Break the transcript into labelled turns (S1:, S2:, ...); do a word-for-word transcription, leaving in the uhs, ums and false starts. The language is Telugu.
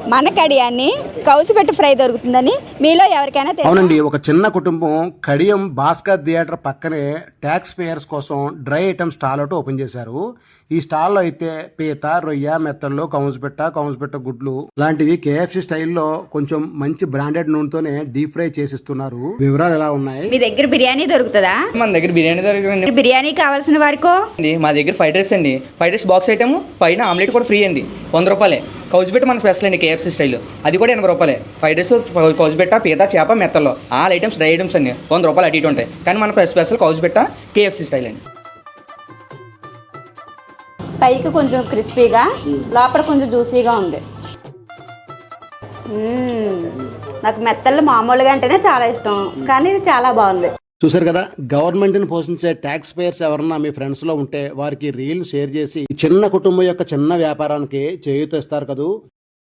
S1: మన కడియాన్ని కౌసుపెట్టి ఫ్రై దొరుకుతుందని మీలో ఎవరికైనా తెలుసా?
S2: అవునండి, ఒక చిన్న కుటుంబం కడియం భాస్కర్ థియేటర్ పక్కనే ట్యాక్స్ పేయర్స్ కోసం డ్రై ఐటమ్ స్టాల్ ఒకటి ఓపెన్ చేశారు. ఈ స్టాల్లో అయితే పీత, రొయ్య, మెత్తళ్ళు, కౌసుపెట్ట, కౌసుపెట్ట గుడ్లు లాంటివి కేఎఫ్సి స్టైల్లో కొంచెం మంచి బ్రాండెడ్ నూనెతోనే డీప్ ఫ్రై చేసిస్తున్నారు. వివరాలు ఎలా ఉన్నాయి?
S1: మీ దగ్గర బిర్యానీ దొరుకుతుందా?
S3: మన దగ్గర బిర్యానీ దొరకదండి.
S1: బిర్యానీ కావాల్సిన వారికో
S3: మా దగ్గర ఫ్రైడ్ రైస్ అండి. ఫ్రైడ్ రైస్ బాక్స్ ఐటమ్ పైన ఆమ్లెట్ కూడా ఫ్రీ అండి. వంద రూపాయలే. కౌజుబెట్ట మన స్పెషల్ అండి కేఎఫ్సి స్టైల్, అది కూడా ఎనభై రూపాయలే. ఫ్రైడ్ రైస్, కౌజుబెట్ట, పీత, చేప, మెత్తల్లో ఆల్ ఐటమ్స్ డ్రై ఐటమ్స్ అండి వంద రూపాయలు అటు ఇటు ఉంటాయి. కానీ మన స్పెషల్ కౌజుబెట్ట కేఎఫ్సి స్టైల్ అండి.
S1: పైకి కొంచెం క్రిస్పీగా, లోపల కొంచెం జ్యూసీగా ఉంది. మ్మ్. నాకు మెత్తళ్ళు మామూలుగా అంటేనే చాలా ఇష్టం, కానీ ఇది చాలా బాగుంది.
S2: చూసారు కదా, గవర్నమెంట్ని పోషించే ట్యాక్స్ పేయర్స్ ఎవరన్నా మీ ఫ్రెండ్స్లో ఉంటే వారికి రీల్ షేర్ చేసి చిన్న కుటుంబం యొక్క చిన్న వ్యాపారానికి చేయూత ఇస్తారు కదూ.